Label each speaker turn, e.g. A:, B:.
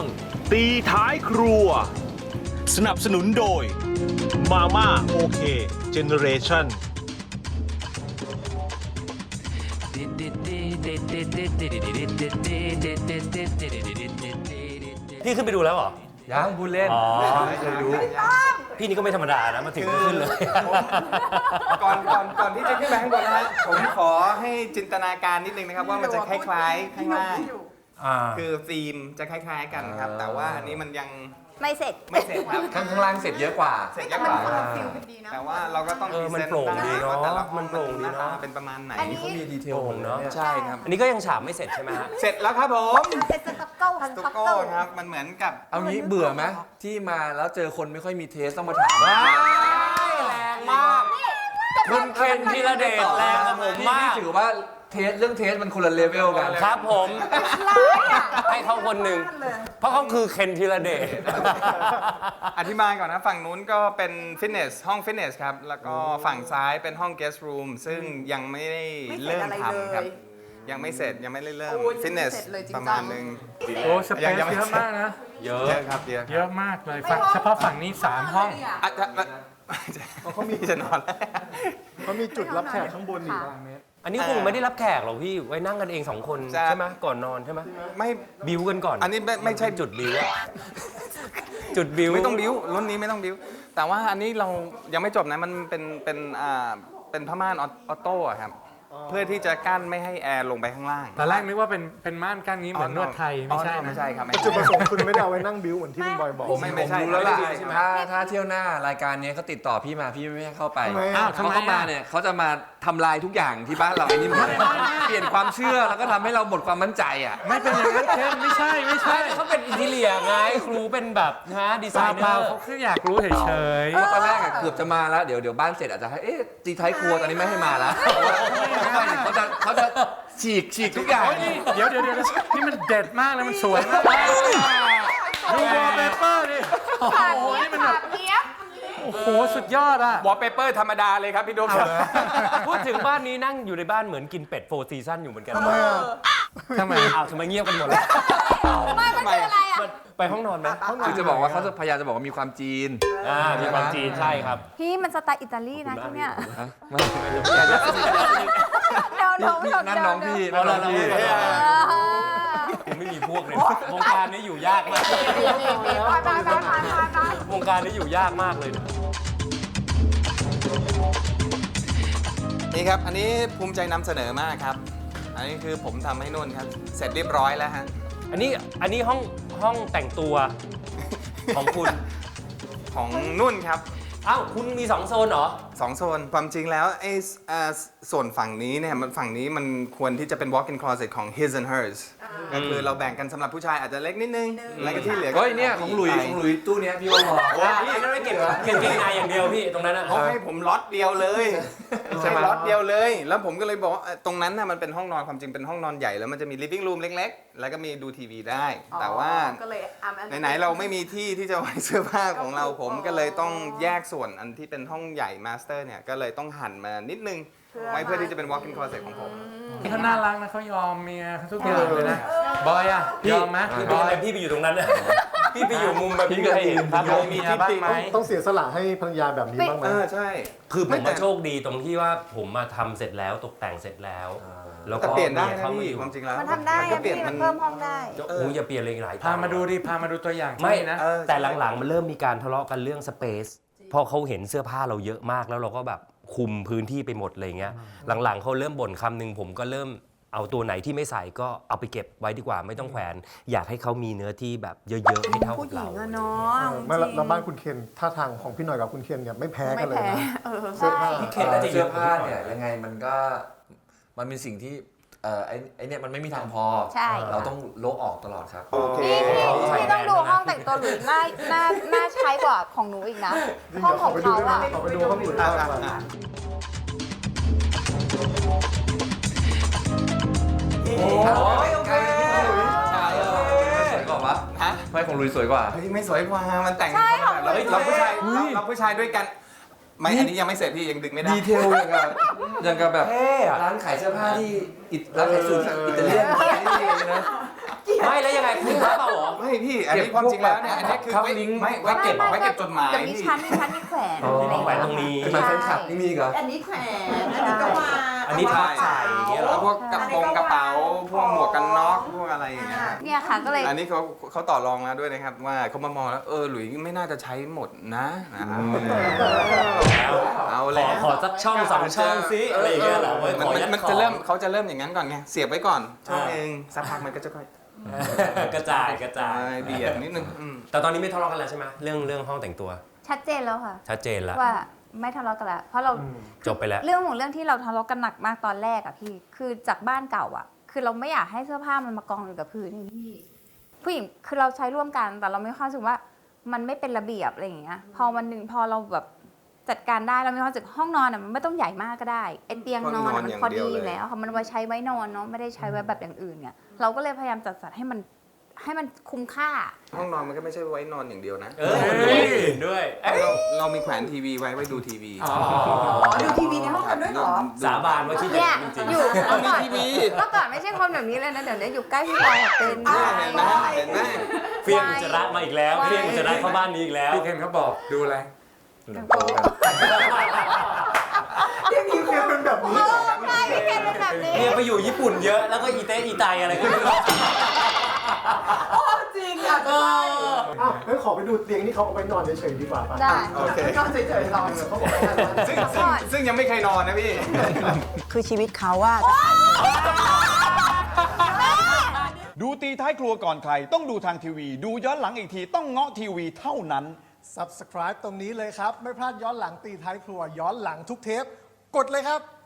A: ตีท้ายครัวสนับสนุนโดยมาม่าโอเคเจเนเรชั่น
B: พี่ขึ้นไปดูแล้วเหรอ
C: ยังพูดเล่น
B: อ๋อ
C: ไม่เคยดู
B: พี่นี่ก็ไม่ธรรมดานะมาถึงก็ขึ้นเลย
D: ก่อนที่จะขึ้นไปข้างบนนะฮะผมขอให้จินตนาการนิดนึงนะครับว่ามันจะคล้ายๆข้างล่างคือฟิล์มจะคล้ายๆกันครับ แต่ว่าอันนี้มันยัง
E: ไม่เสร็จ
D: ไม่เสร็จครับ
C: ข้างล่างเสร็จเยอะกว่า
D: เสร็จเยอะกว่าแต่ว่าเราก็ต้อง
B: มันโปร่งดีเนอะ
D: แต่ละ
B: มันโปร่งดีเนอะ
D: เป็นประมาณไหน
E: อันนี้
C: เขามีดีเทล
B: โปร่งเนอะ
C: เนี่ย
D: ใช่ครับ
B: อันนี้ก็ยังฉาบไม่เสร็จใช่ไหมฮะ
D: เสร็จแล้วครับผม
E: เป็นสต็อกเกิลค่ะส
D: ตุ
E: ต็อก
D: โก้
E: เกิล
D: ครับมันเหมือนกับ
C: เอางี้เบื่อไหมที่มาแล้วเจอคนไม่ค่อยมีเทสต้องมาถาม
B: แรงมากคุณเคนธีรเดชแรงกับผมมาก
C: ถือว่าเรื่องเทสมันคนละเลเวลกัน
B: ครับผมให้เขาคนหนึ่งเพราะเขาคือเคนธีรเดช
D: อธิบายก่อนนะฝั่งนู้นก็เป็นฟิตเนสห้องฟิตเนสครับแล้วก็ฝั่งซ้ายเป็นห้อง guest room ซึ่งยังไม่ได้เริ่มทำครับยังไม่เสร็จยังไม่ได้เริ่มฟิตเนสประมาณนึง
F: โอ้สเปซเยอะมากนะ
B: เย
D: เย
B: อะ
D: อะครับเยอะ
F: เยอะมากเลยฝั่งเฉพาะฝั่งนี้ 3 ห้อง
D: เขามีจะนอนแล้ว
G: เขามีจุดรับแขกข้างบนอีก
B: อันนี้คงไม่ได้รับแขกหรอกพี่ไว้นั่งกันเอง2 คนใช่ไหมก่อนนอนใช่ไหม
D: ไม่
B: บิวกันก่อน
D: อันนี้ไม่ใช่
B: จุดบิวอะจุดบิว
D: ไม่ต้องบิ้วรุ่นนี้ไม่ต้องบิ้วแต่ว่าอันนี้เรายังไม่จบนะมันเป็นผ้าม่านออโต้อะครับเพื่อที่จะกั้นไม่ให้แอร์ลงไปข้างล่าง
F: ตอนแรกนึกว่าเป็นม่านกั้นนี้เหมือนนวดไทยไม่ใช่
D: ไม่
F: นะ
D: ใช่ครับไม่
G: จุดประ
D: ใช่
G: สงค์คุณไม่ได้เอาไว้นั่งบิ้วเหมือนที่คุณบอยบอก
D: ไม่ใช่
C: รู้แล้วล่ะ
D: ใช่ไหม
C: ถ้าเที่ยวหน้ารายการนี้เขาติดต่อพี่มาพี่ไม่ให้เข้าไป
G: ทำไม
F: อ้าวทำไม
C: เขาเข้ามาเนี่ยเขาจะมาทำลายทุกอย่างที่บ้านเราไอ้นี่หมดเลยเปลี่ยนความเชื่อแล้วก็ทำให้เราหมดความมั่นใจอ่ะ
F: ไม่เป็นอย่างนั้นเคนไม่ใช่
B: เขาเป็นอินทีเลียไงครูเป็นแบบนะดีไซเน
F: เป
B: อ
F: ล่า
B: ร์
F: เขาแค่อยากรู้เฉย
C: เพราะตอนแรกอะเกือบจะมาแล้วเดี๋ยวบ้านเสร็จอาจจะให้ตีท้ายครัวตอนนี้ไม่ให้มาแล้วเพราะว่าเขาจะฉีกทุกอย่าง
F: ๆเดี๋ยวนี่มันเด็ดมากเลยมันสวยมากดูวอลเปเปอร์ดิโอ้โหนี่มันแบบโอ้โหสุดยอดอ่ะ
D: วอลเปเปอร์ธรรมดาเลยครับพี่ดุ๊กครับ
B: พูดถึงบ้านนี้นั่งอยู่ในบ้านเหมือนกินเป็ด4 ซีซั่นอยู่เหมือนกัน
G: ทำไมอ่ะ
F: ทำไม
B: อ้าวทำไมเงียบกันหมดเลย
E: ไม่มันคืออะไรอ่ะ
B: ไปห้องนอนไหม
C: คือจะบอกว่าเขาจะพยายามจะบอกว่ามีความจีน
B: มีความจีนใช่ครับ
E: พี่มันสไตล์อิตาลีนะที่เนี่ย
C: ฮะไม่
E: เดี๋ยวหนู
C: นั่นน้องพี่นั่นน้องพี่
B: ผมไม่มีพวกเลยวงการนี้อยู่ยากมากวงการนี้อยู่ยากมากเลย
D: นี่ครับอันนี้ภูมิใจนำเสนอมากครับ อันนี้คือผมทำให้นุ่นครับ เสร็จเรียบร้อยแล้วฮะ
B: อันนี้ห้องแต่งตัวของคุณ
D: ของนุ่นครับ
B: อ้าวคุณมี2 โซนเหรอ
D: 2 โซนความจริงแล้วไอ้ส่วนฝั่งนี้เนี่ยฝั่งนี้มันควรที่จะเป็น walk-in closet ของ his and hers ก็คือเราแบ่งกันสำหรับผู้ชายอาจจะเล็กนิดนึง แล้วก็ที่เหลือก็
C: เฮ้ยเนี่ยของหลุยตู้เนี้ยพี่ว่าพอ
B: อันนั้นไม่เก็บเกงในอย่างเดียวพี่ตรงนั้นนะ
D: เขาให้ผมล็อตเดียวเลยใช่ล็อตเดียวเลย แล้วผมก็เลยบอกว่าตรงนั้นน่ะมันเป็นห้องนอนความจริงเป็นห้องนอนใหญ่แล้วมันจะมี living room เล็กๆ แล้วก็มีดูทีวีได้ แต่ว่าไหนๆเราไม่มีที่ที่จะไว้เสื้อผ้าของเราผมก็เลยต้องแยกส่วนอันที่เป็นห้องใหญ่ master เนี่ยก็เลยต้องหั่นมานิดนึงไว้เพื่อที่จะเป็น walk-in closet ของผม
F: เขาน่ารักนะเขายอมเมียทุกอย่างเลยนะบอยอ่ะยอมไหม
B: พี่
F: บ
B: เป็น
F: อ
B: อะไร
F: ย
B: พี่ไปอยู่ตรงนั้นนะพี่ไปอยู่มุมแบบพี่ก็เห็นครับ
F: ยอมเมียบ้างไหม
G: ต้องเสียสละให้ภรรยาแบบนี้บ้างไหม
D: ใช่
B: คือผม
D: ไม่แต่
B: มาโชคดีตรงที่ว่าผมมาทำเสร็จแล้วตกแต่งเสร็จแล้ว แล้ว
D: แต่
B: ก็
D: เปลี่ยนได้
B: มี
D: นะ
B: เข้ามา
D: พี่
B: อยู่
D: ความจริงแล้ว
E: มันทำได้
D: ก็
E: อะ
D: เปลี่ยน
E: พี่
D: มั
E: มัน นเพิ่มห้องได้
B: โอ้ยอย่าเปลี่ยนเลยหลาย
F: พามาดูดิพามาดูตัวอย่าง
B: ไม่
F: ที่นะ
B: แต่หลังๆมันเริ่มมีการทะเลาะกันเรื่องสเปซพอเขาเห็นเสื้อผ้าเราเยอะมากแล้วเราก็แบบคุมพื้นที่ไปหมดอะไรเงี้ยหลังๆเขาเริ่มบ่นคำหนึ่งผมก็เริ่มเอาตัวไหนที่ไม่ใส่ก็เอาไปเก็บไว้ดีกว่าไม่ต้องแขวน อยากให้เขามีเนื้อที่แบบเยอะๆให้เท่า
E: ผู้
B: กับ
E: หญิ
B: เรา
E: งอะเนาะ
G: ไม่แล้วบ้านคุณเคนท่าทางของพี่หน่อยกับคุณเคนเนี่ยไม่แพ้กันเลยนะ
E: ใช่
B: เคนน่าจะเย
C: เสื้อ
B: อะ
C: ผ้าเนี่ยยังไงมันเป็นสิ่งที่ไอ้เนี่ยมันไม่มีทางพอ
E: ใช่
C: เราต้องโละออกตลอดครับ
D: โอเค
E: พี่ต้องดูห้องแต่งตัวหรือน่าใช้กว่าของหนูอีกนะ ห้องของเขาอะ
G: ขอไปดูห้องอื่นบ้างดีกว่า
C: โอเคสวยกว่าวะ
D: ฮะ
C: ไม่ของลุยสวยกว่า
D: เฮ้ยไม่สวยกว่ามันแต่งเราผู้ชายเราผู้ชายด้วยกันไม่อันนี้ยังไม่เสร็จพี่ยังดึงไม่ได้
C: ดีเทลอย่างกับแบบร้านขายเสื้อผ้าที่ร้านขายสูตรอิตาเลียนนะ
B: ไม่แล้วยังไงคุณพระเปล่าเหรอ
D: ไม่พี่ อันนี้ความจริงแล้วเนี่ย อันนี้คือ
C: ครับ
D: ไว้
C: ลิงก์
D: ไม่ไว้เก็บไว้เก็บจดหมาย
E: เดี๋ยวมี
D: พี่
E: ชั้นมีแขวน
B: อ๋อ
E: อะไรอย่าง
B: แขวน
E: เงี้ย
B: ตรงนี้
C: เป็นแฟนคลับนี่มีอีกเหรอ
H: อันนี้แขวนอันนี้ก็วาง
B: อันนี้ทับใส่อย่างเงี้ยเหร
D: แล้
B: อ
D: วพวกกระเป๋า พวกหมวกกันน็อก พวกอะไรอย่างเงี้ย
E: เนี่ยค่ะก็เลย
D: อันนี้เขาต่อรองแล้วด้วยนะครับ ว่าเขามามองแล้วหลุยไม่น่าจะใช้หมดนะเอา
B: ข
D: แล้
B: อ
D: ว
B: ขอสักช่องสองช่องซิอะไรอย่างเงี้ยเหรอไว้ขอยัด
D: มัน
B: ของ
D: จะเริ่มเขาจะเริ่มอย่างนั้นก่อนไง เสียบไว้ก่อนช่องเองสักพักมันก็จะค่อย
B: กระจายกระจาย
D: เบียดนิดนึง
B: แต่ตอนนี้ไม่ทะเลาะกันแล้วใช่ไหมเรื่องห้องแต่งตัว
E: ชัดเจนแล้วค่ะ
B: ชัดเจนแล้ว
E: ว่าไม่ทะเลาะกันแล้วเพราะเรา
B: จบไปแล้ว
E: เรื่องที่เราทะเลาะกันหนักมากตอนแรกอะพี่คือจากบ้านเก่าอะคือเราไม่อยากให้เสื้อผ้ามันมากองอยู่กับพื้นนี่พี่ผู้หญิงคือเราใช้ร่วมกันแต่เราไม่ค่อยรู้สึกว่ามันไม่เป็นระเบียบอะไรอย่างเงี้ยพอวันหนึ่งพอเราแบบจัดการได้เรามีความรู้สึกห้องนอนอะมันไม่ต้องใหญ่มากก็ได้ไอเตียงนอนอะมันพอดีอยู่แล้วค่ะมันไว้ใช้ไว้นอนเนาะไม่ได้ใช้ไว้แบบอย่างอื่นเนี่ยเราก็เลยพยายามจัดสรรให้มันคุ้มค่า
D: ห้องนอนมันก็ไม่ใช่ไว้นอนอย่างเดียวนะ
B: ด้วย
D: เรามีแขวนทีวีไว้ดูทีวี
H: ดูทีวีในห้องกันด้วยเหรอ
B: สาบานว่าคิดอ
E: เนี่
B: ย่าย งนั้นจริง
E: อยู่เมื่อก่อน
D: ทีวี
E: เมื่อก่อนไม่ใช่คนแบบนี้เลยนะเดี๋ยวนี้อยู่ใกล้พี่บอยเป็น
D: เห็นไหมเห็นไหม
B: เฟี้ยงอุจจาระมาอีกแล้วเฟี้ยงอุจจาระเข้าบ้านนี้อีกแล้ว
C: พี่เคนเขาบอกดูอะไร
G: พี่เคนเป็นแบบนี้เหรอ
E: ใช่พี่เคนเป็นแบบนี้
B: เนี่ยไปอยู่ญี่ปุ่นเยอะแล้วก็อีเตอีไตอะไรก็ไม่รู้
H: จริงอ่ะ
B: เออ
G: อ้าวงั้นขอไปดูเตียงที่เขาเอาไปนอนเฉยๆดีกว่าป่ะ
E: ได้
D: โอเค
H: ก็เฉยๆนอน
G: เขาบอกให้นอน
D: ซึ่งยังไม่เคยนอนนะพี่
H: คือชีวิตเขาว่า
I: ดูตีท้ายครัวก่อนใคร ต้องดูทางทีวี ดูย้อนหลังอีกทีต้องเงาะทีวีเท่านั้น
G: Subscribe ตรงนี้เลยครับ ไม่พลาดย้อนหลังตีท้ายครัวย้อนหลังทุกเทป กดเลยครับ